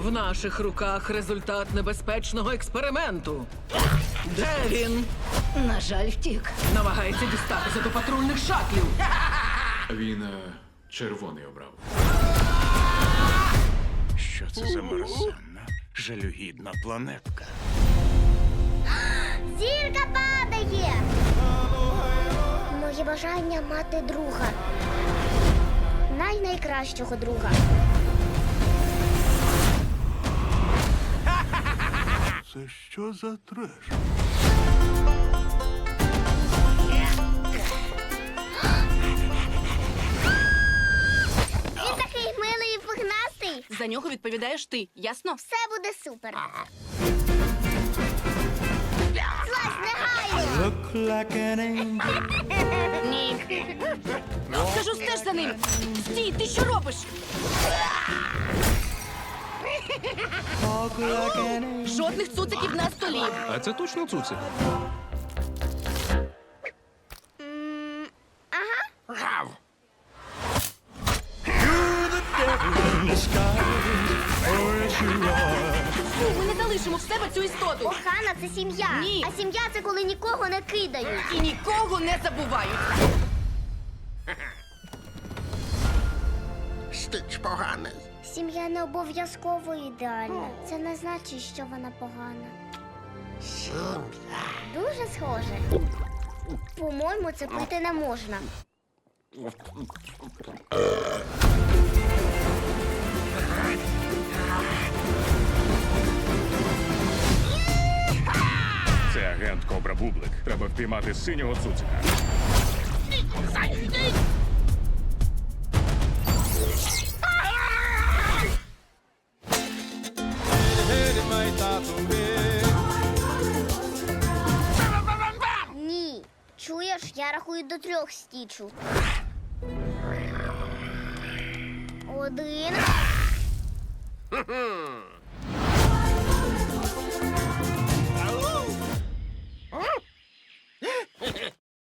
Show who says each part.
Speaker 1: В наших руках результат небезпечного експерименту. Де він?
Speaker 2: На жаль, втік.
Speaker 1: Намагається дістатися до патрульних шатлів.
Speaker 3: Він червоний обрав.
Speaker 4: Що це за мерзенна, жалюгідна планетка?
Speaker 5: Зірка падає! Моє бажання мати друга. Найкращого друга.
Speaker 4: Це що за треш?
Speaker 5: Він такий милий і пухнастий.
Speaker 2: За нього відповідаєш ти, ясно?
Speaker 5: Все буде супер. Злазь негайно!
Speaker 2: Ні. Кажу, стеж за ним. Стій, ти що робиш? Жодних цуциків на столі.
Speaker 6: А це точно цуцик?
Speaker 2: Фу, ми не залишимо в себе цю істоту.
Speaker 5: Охана – це сім'я.
Speaker 2: Ні.
Speaker 5: А сім'я – це коли нікого не кидають.
Speaker 2: І нікого не забувають.
Speaker 7: Стич поганий.
Speaker 5: Сім'я не обов'язково ідеальна. Це не значить, що вона погана.
Speaker 7: Сім'я.
Speaker 5: Дуже схоже. По-моєму, це пити не можна.
Speaker 4: Це агент Кобра Бублик. Треба впіймати синього цуцика.
Speaker 5: Ні. Чуєш, я рахую до 3 стічу. 1.